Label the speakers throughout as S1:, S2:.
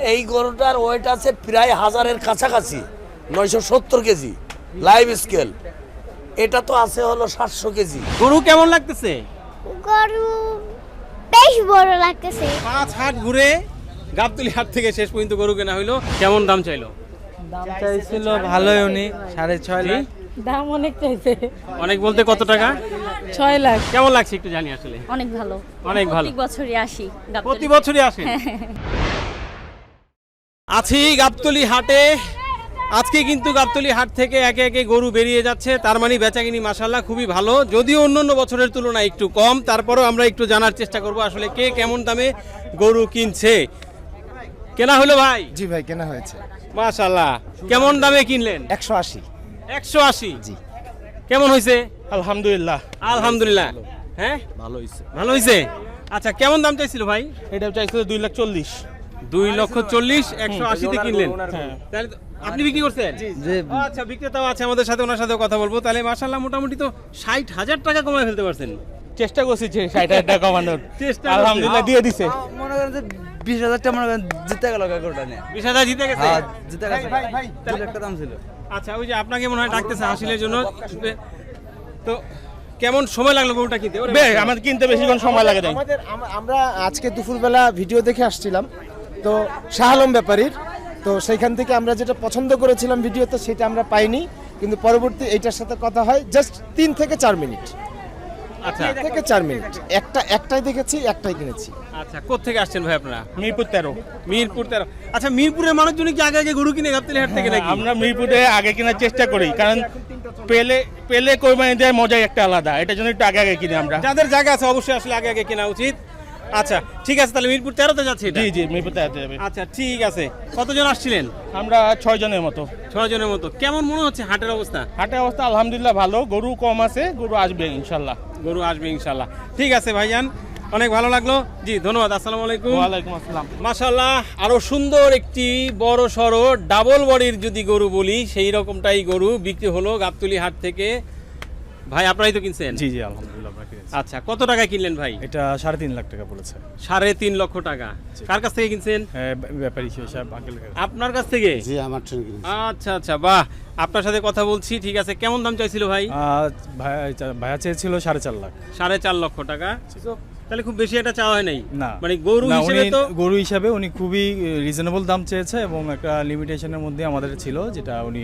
S1: এই গরুটার ওয়েট আছে প্রায় 1000-এর কাছাকাছি, 970 কেজি লাইভ স্কেল। এটা তো আছে হলো 700 কেজি।
S2: গরু কেমন লাগতেছে?
S3: গরু বেশ বড় লাগতেছে।
S2: 5 হাট ঘুরে গাবতলী হাট থেকে শেষ পর্যন্ত গরু কেনা হইলো। কেমন দাম চাইলো?
S4: দাম চাইছিল ভালোই, উনি 6.5 লাখ।
S5: দাম অনেক চাইছে।
S2: অনেক বলতে কত টাকা?
S5: 6 লাখ।
S2: কেমন লাগছে একটু জানি আসলে।
S6: অনেক ভালো,
S2: অনেক ভালো।
S6: প্রতি বছরই আসি
S2: প্রতি বছরই আসে। আছি গাবতলী হাটে। আজকে কিন্তু গাবতলী হাট থেকে একে একে গরু বেরিয়ে যাচ্ছে, তার মানে বেচাকিনি মাশাআল্লাহ খুবই ভালো, যদিও অন্যান্য বছরের তুলনায় একটু কম। তারপরেও আমরা একটু জানার চেষ্টা করব আসলে কে কেমন দামে গরু কিনছে। কেনা হলো ভাই?
S7: জি ভাই, কেনা হয়েছে।
S2: মাশাআল্লাহ। কেমন দামে কিনলেন?
S7: 180।
S2: 180?
S7: জি।
S2: কেমন হয়েছে?
S7: আলহামদুলিল্লাহ।
S2: আলহামদুলিল্লাহ। হ্যাঁ,
S7: ভালো হয়েছে।
S2: ভালো হয়েছে। আচ্ছা, কেমন দাম চাইছিল ভাই?
S7: এটা চাইছিল 2,40,000।
S2: 2,40,000 180 তে কিনলেন।
S7: হ্যাঁ।
S2: তাহলে আপনি বিক্রি করছেন?
S7: জি।
S2: আচ্ছা, বিক্রেতাও আছে আমাদের সাথে, ওনার সাথেও কথা বলবো। তাহলে মাশাআল্লাহ মোটামুটি তো 60,000 টাকা কমায় ফেলতে পারছেন।
S7: চেষ্টা করছি 60,000 টাকা কমানোর।
S2: চেষ্টা
S7: আলহামদুলিল্লাহ দিয়ে দিছে।
S4: মনে করেন যে 20,000 টাকা মনে করেন জিতে গেল গরুটা নিয়ে।
S2: 20,000 জিতে গেছে।
S4: হ্যাঁ, জিতে গেছে। 2 লাখ টাকা দাম ছিল।
S2: আচ্ছা, ওই যে আপনাকে মনে হয় ডাকতেছে হাসিলের জন্য। তো কেমন সময় লাগলো গরুটা কিনতে?
S7: আমাদের কিনতে বেশিক্ষণ সময় লাগে নাই। আমরা আজকে দুপুরবেলা ভিডিও দেখে আসছিলাম তো শাহ আলম ব্যাপারীর, তো সেইখান থেকে আমরা যেটা পছন্দ করেছিলাম ভিডিওতে সেটা আমরা পাইনি, কিন্তু পরবর্তী এইটার সাথে কথা হয় জাস্ট 3 থেকে 4 মিনিট।
S2: আচ্ছা
S7: 3 থেকে 4 মিনিট। একটাই দেখেছি, একটাই কিনেছি।
S2: আচ্ছা, কোত্থেকে আসছেন ভাই আপনারা?
S7: মিরপুর 13।
S2: মিরপুর 13। আচ্ছা, মিরপুরের মানুষজন কি আগে আগে গরু কিনে গাবতলী হাট থেকে নাকি?
S8: আমরা মিরপুরে আগে কেনার চেষ্টা করি, কারণ পেলে কোরবানি দেওয়ার মজাই একটা আলাদা, এটার জন্য একটু আগে আগে কিনি আমরা।
S2: যাদের জায়গা আছে অবশ্যই আসলে আগে আগে কেনা উচিত। আচ্ছা ঠিক আছে, তাহলে মিরপুর 13-তে যাচ্ছে এটা?
S8: জি জি, মিরপুর 13-তে যাবে।
S2: আচ্ছা ঠিক আছে। কতজন আসছিলেন?
S8: আমরা 6 জনের মতো।
S2: 6 জনের মতো। কেমন মনে হচ্ছে হাটের অবস্থা?
S8: হাটের অবস্থা আলহামদুলিল্লাহ ভালো, গরু কম আছে, গরু আসবে ইনশাল্লাহ।
S2: গরু আসবে ইনশাল্লাহ। ঠিক আছে ভাইজান, অনেক ভালো লাগলো। জি ধন্যবাদ। আসসালামু আলাইকুম।
S8: ওয়ালাইকুম আসসালাম।
S2: মাশাআল্লাহ, আরো সুন্দর একটি বড় সড়ো ডাবল বডির যদি গরু বলি সেই রকমটাই গরু বিক্রি হলো গাবতলী হাট থেকে। ভাই আপনারাই তো কিনছেন?
S9: জি জি আলহামদুলিল্লাহ।
S2: আচ্ছা, কত টাকায় কিনলেন ভাই?
S9: এটা 3.5 লাখ টাকা বলেছে।
S2: 3.5 লক্ষ টাকা। কার কাছ থেকে কিনছেন?
S9: ব্যাপারী সাহেব আঙ্কেল।
S2: আপনার কাছ থেকে?
S10: জি, আমার থেকে কিনেছি।
S2: আচ্ছা আচ্ছা, বাহ, আপনার সাথে কথা বলছি। ঠিক আছে, কেমন দাম চাইছিল ভাই?
S9: ভাইয়া চেয়েছিল 4.5 লাখ।
S2: 4.5 লক্ষ টাকা। তাহলে খুব বেশি একটা চাওয়া হয় নাই
S9: না,
S2: মানে গরু হিসেবে তো
S9: গরু হিসাবে উনি খুবই রিজনেবল দাম চেয়েছে এবং একটা লিমিটেশনের মধ্যে আমাদের ছিল, যেটা উনি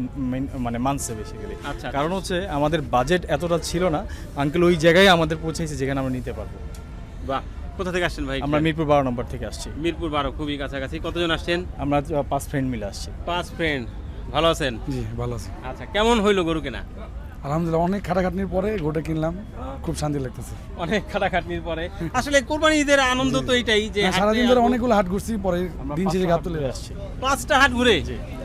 S9: মানে মানছে বেসিক্যালি।
S2: আচ্ছা,
S9: কারণ হচ্ছে আমাদের বাজেট এতটা ছিল না, আঙ্কেল ওই জায়গায় আমাদের পৌঁছেছে যেখানে আমরা নিতে পারবো।
S2: বাহ, কোথা থেকে আসছেন ভাই?
S9: আমরা মিরপুর 12 নম্বর থেকে আসছি।
S2: মিরপুর 12, খুবই কাছাকাছি। কতজন আসছেন?
S9: আমরা 5 ফ্রেন্ড মিলে আসছি।
S2: 5 ফ্রেন্ড। ভালো আছেন?
S11: জি ভালো আছি।
S2: আচ্ছা, কেমন হইলো গরু কেনা?
S11: আলহামদুলিল্লাহ, অনেক খাটাখাটনির পরে গরুটা কিনলাম, খুব শান্তি লাগতেছে।
S2: অনেক খাটাখাটনির পরে। আসলে কোরবানি ঈদের আনন্দ তো এটাই যে
S11: সারাদিন ধরে অনেকগুলো হাট ঘুরছি, পরে দিন শেষে গাবতলী আসছি।
S2: 5টা হাট ঘুরে?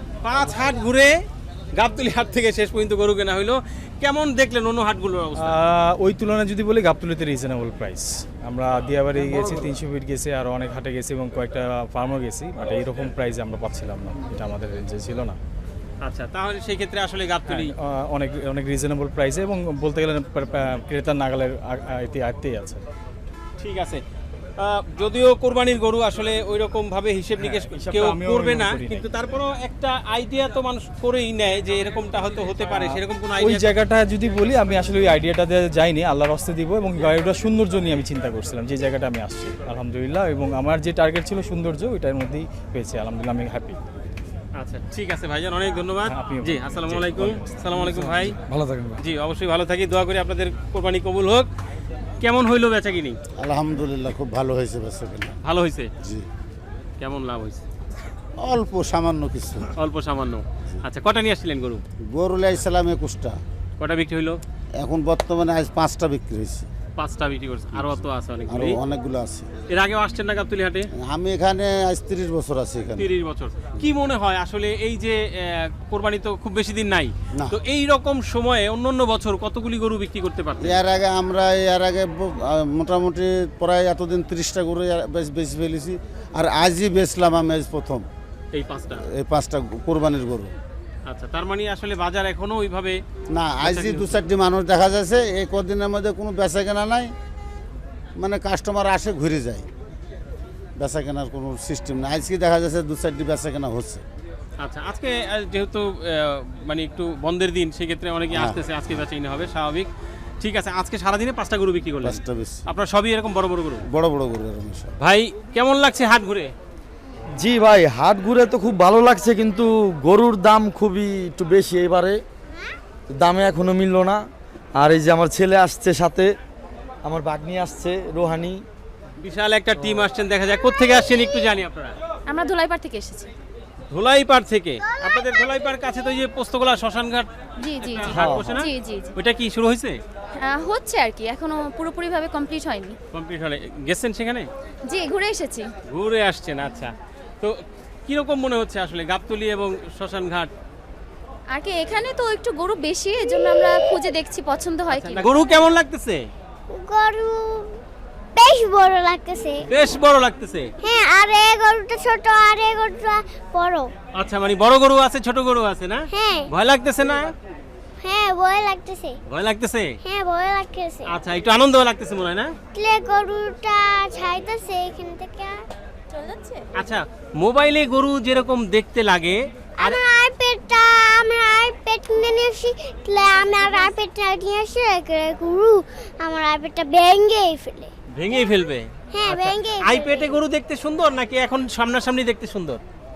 S2: 5 হাট ঘুরে গাবতলী হাট থেকে শেষ পর্যন্ত গরু কেনা হইলো। কেমন দেখলেন অন্য হাটগুলোর অবস্থা?
S9: ওই তুলনায় যদি বলি গাবতলীতে রিজনেবল প্রাইস। আমরা দিয়াবাড়ি গেছি, 300 ফিট গেছি, আর অনেক হাটে গেছি এবং কয়েকটা ফার্মও গেছি, বাট এইরকম প্রাইস আমরা পাচ্ছিলাম না, এটা আমাদের রেঞ্জে ছিল না।
S2: আচ্ছা, তাহলে সেই ক্ষেত্রে আসলে গাবতলী
S9: অনেক অনেক রিজনেবল প্রাইসে এবং বলতে গেলে ক্রেতার নাগালের আয়ত্তেই আছে।
S2: ঠিক আছে। যদিও কোরবানির গরু আসলে ওই রকম ভাবে হিসেব নিকেশ কেউ করবে না, কিন্তু তারপরও একটা আইডিয়া তো মানুষ করেই নেয় যে এরকমটা হয়তো হতে পারে, সেরকম কোনো
S9: ওই
S2: আইডিয়া?
S9: জায়গাটা যদি বলি, আমি আসলে ওই আইডিয়াটাতে যাইনি, আল্লাহর হস্তে দিব, এবং গাড়িটার সৌন্দর্য নিয়ে আমি চিন্তা করছিলাম যে জায়গাটা আমি আসছি আলহামদুলিল্লাহ, এবং আমার যে টার্গেট ছিল সৌন্দর্য, ওইটার মধ্যেই পেয়েছি আলহামদুলিল্লাহ, আমি হ্যাপি।
S2: আচ্ছা ঠিক আছে ভাইজান, অনেক ধন্যবাদ।
S9: আপনিও।
S2: জি, আসসালামু আলাইকুম। আসসালামু আলাইকুম ভাই।
S11: ভালো থাকেন ভাই।
S2: জি অবশ্যই ভালো থাকি, দোয়া করি আপনাদের কোরবানি কবুল হোক। কেমন হইলো বেচাকিনি?
S10: আলহামদুলিল্লাহ, খুব ভালো হয়েছে বেচাকেনা।
S2: ভালো হয়েছে?
S10: জি।
S2: কেমন লাভ হয়েছে?
S10: অল্প সামান্য কিছু।
S2: অল্প সামান্য। আচ্ছা, কটা নিয়ে আসছিলেন গরু?
S10: গরু লাইছিলাম 21টা।
S2: কটা বিক্রি হইলো?
S10: এখন বর্তমানে আজ 5টা বিক্রি হয়েছে।
S2: 5টা বিক্রি করছে, আরো তো আছে
S10: আরো
S2: অনেকগুলো।
S10: অনেকগুলো আছে।
S2: এর আগেও আসছেন না গাবতলী হাটে?
S10: আমি এখানে আজ 30 বছর আছি এখানে।
S2: 30 বছর। কি মনে হয় আসলে এই যে কোরবানি তো খুব বেশি দিন নাই,
S10: না।
S2: তো এই রকম সময়ে অন্যান্য বছর কতগুলি গরু বিক্রি করতে পারতেন?
S10: এর আগে মোটামুটি প্রায় এতদিন 30টা গরু বেশি ফেলেছি, আর আজই বেচলাম আমি আজ প্রথম
S2: এই 5টা।
S10: এই 5টা কোরবানির গরু।
S2: আচ্ছা, তার মানে আসলে বাজার এখনো ওইভাবে
S10: না, আজই 2-4টি মানুষ দেখা যাচ্ছে, এই কদিনের মধ্যে কোনো বেচা কেনা নাই, মানে কাস্টমার আসে ঘুরে যায়, বেচা কেনার কোনো সিস্টেম নেই। আজকে দেখা যাচ্ছে 2-4টি বেচা কেনা হচ্ছে।
S2: আচ্ছা, আজকে যেহেতু মানে একটু বন্ধের দিন, সেক্ষেত্রে অনেকে আসতেছে, আজকে বেচাকিনি হবে স্বাভাবিক। ঠিক আছে, আজকে সারাদিনে 5টা গরু বিক্রি করলেন?
S10: 5টা বেশি।
S2: আপনার সবই এরকম বড় বড় গরু?
S10: বড় বড় গরু এরকম সব।
S2: ভাই কেমন লাগছে হাট ঘুরে?
S4: জি ভাই, হাট ঘুরে তো খুব ভালো লাগছে, কিন্তু গরুর দাম খুবই একটু বেশি এবারে, দামে এখনো মিললো না। আর এই যে আমার ছেলে আসছে সাথে, আমার বাগনি আসছে রোহানি।
S2: বিশাল একটা টিম আসছেন দেখা যায়। কোত্থেকে আসছেন একটু জানি আপনারা?
S5: আমরা ধুলাইপাড় থেকে এসেছি।
S2: ধুলাইপাড় থেকে? আপনাদের ধুলাইপাড় কাছে তো এই যে পোস্তগোলা শ্মশানঘাট
S5: জি জি জি
S2: হাট বসে না?
S5: জি জি জি।
S2: ওইটা কি শুরু হয়েছে?
S5: হচ্ছে আর কি, এখনো পুরোপুরিভাবে কমপ্লিট হয়নি।
S2: কমপ্লিট হলে গেছেন সেখানে?
S5: জি, ঘুরে এসেছি।
S2: ঘুরে আসছেন, আচ্ছা। তো কিরকম মনে হচ্ছে আসলে গাবতলী এবং শ্মশানঘাট?
S5: আর কি এখানে তো একটু গরু বেশি, এজন্য আমরা খুঁজে দেখছি পছন্দ হয় কি।
S2: গরু কেমন লাগতেছে?
S3: গরু বেশ বড় লাগতেছে।
S2: বেশ বড় লাগতেছে?
S3: হ্যাঁ, আর এই গরুটা ছোট আর এই গরুটা বড়।
S2: আচ্ছা, মানে বড় গরু আছে ছোট গরু আছে না?
S3: হ্যাঁ।
S2: ভয় লাগতেছে না?
S3: হ্যাঁ, ভয় লাগতেছে।
S2: ভয় লাগতেছে?
S3: হ্যাঁ, ভয় লাগতেছে।
S2: আচ্ছা, একটু আনন্দ লাগতেছে মনে হয় না?
S3: লে গরুটা ছাইতেছে এখান থেকে চলে যাচ্ছে।
S2: আচ্ছা, মোবাইলে গরু যেরকম দেখতে লাগে, আর
S3: আমার আইপ্যাড নিয়ে আসি, আমার আইপ্যাডটা নিয়ে আসি, গরু আমার আইপ্যাডটা ভেঙেই ফেলে।
S2: ভেঙেই ফেলবে?
S3: হ্যাঁ, ভেঙেই ফেলে।
S2: আইপ্যাডে গরু দেখতে সুন্দর নাকি এখন সামনাসামনি দেখতে সুন্দর?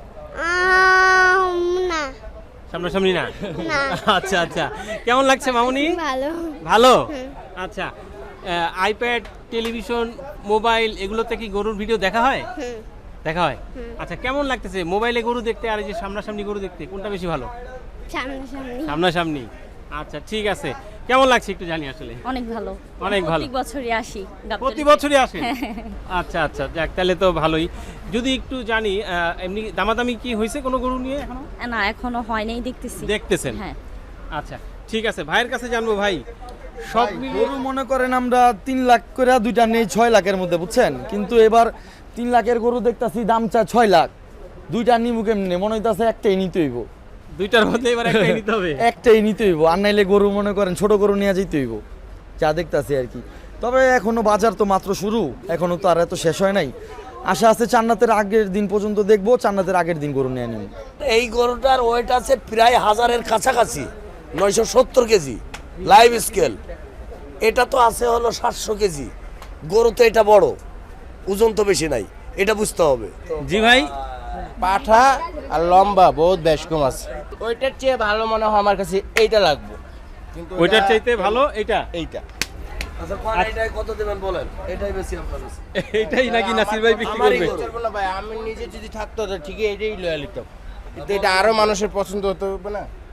S3: না,
S2: সামনাসামনি না?
S3: না।
S2: আচ্ছা আচ্ছা, কেমন লাগছে মামুনি?
S3: ভালো।
S2: ভালো? আচ্ছা, আইপ্যাড, টেলিভিশন, মোবাইল এগুলোতে কি গরুর ভিডিও দেখা হয়? দেখা হয়? আচ্ছা, কেমন লাগতেছে মোবাইলে গরু দেখতে আর এই যে সামনাসামনি গরু দেখতে, কোনটা বেশি ভালো?
S3: সামনাসামনি।
S2: সামনাসামনি। আচ্ছা, ঠিক আছে। কেমন লাগছে একটু জানি আসলে?
S5: অনেক ভালো।
S2: অনেক ভালো।
S5: প্রত্যেক বছরই আসি।
S2: প্রতি বছরই আসে? আচ্ছা আচ্ছা, যাক তাহলে তো ভালোই। যদি একটু জানি এমনি দামাদামি কি হয়েছে কোনো গরু নিয়ে এখনো?
S5: না, এখনো হয় নাই, দেখতেছি।
S2: দেখতেছেন?
S5: হ্যাঁ।
S2: আচ্ছা, ঠিক আছে, ভাইয়ের কাছে জানবো। ভাই সব মিলিয়ে
S4: গরু মনে করেন আমরা 3 লাখ করে দুইটা নেই 6 লাখের মধ্যে, বুঝছেন? কিন্তু এবার 3 লাখের গরু দেখতাছি দাম চায় 6 লাখ। দুইটা নিবো কেমনে? মনে হইতাছে একটাই নিতে হইব।
S2: দুইটার মধ্যে এবার একটাই নিতে হবে?
S4: একটাই নিতে হইব, আর নাইলে গরু মনে করেন ছোট গরু নিয়ে যেতে হইব, যা দেখতাছি আর কি। তবে এখনো বাজার তো মাত্র শুরু, এখনো তো আর এত শেষ হয় নাই। আশা আছে চান্নাতের আগের দিন পর্যন্ত দেখবো, চান্নাতের আগের দিন গরু নিয়ে নিব।
S1: এই গরুটার ওয়েট আছে প্রায় 1000-এর কাছাকাছি, 970 কেজি লাইভ স্কেল। এটা তো আছে হলো 700 কেজি। গরু তো এটা বড়, ওজন তো বেশি নাই, এটা বুঝতে হবে।
S2: জি ভাই,
S6: পাঠা আর লম্বা বহুত বেশ কম আছে। ওইটার চেয়ে ভালো মনে হয় আমার কাছে এইটা লাগবে, কিন্তু
S2: ওইটার চাইতে ভালো এইটা?
S6: এইটা।
S1: আচ্ছা, এটাই কত দেবেন বলেন? এটাই বেশি আপনার কাছে?
S2: এইটাই নাকি নাসির ভাই বিক্রি
S6: আমারই
S2: করবে?
S6: করবো না ভাই, আমি নিজে যদি থাকতো তো ঠিকই এটাই লয়াল নিতাম, কিন্তু এটা আরো মানুষের পছন্দ হতে হবে না।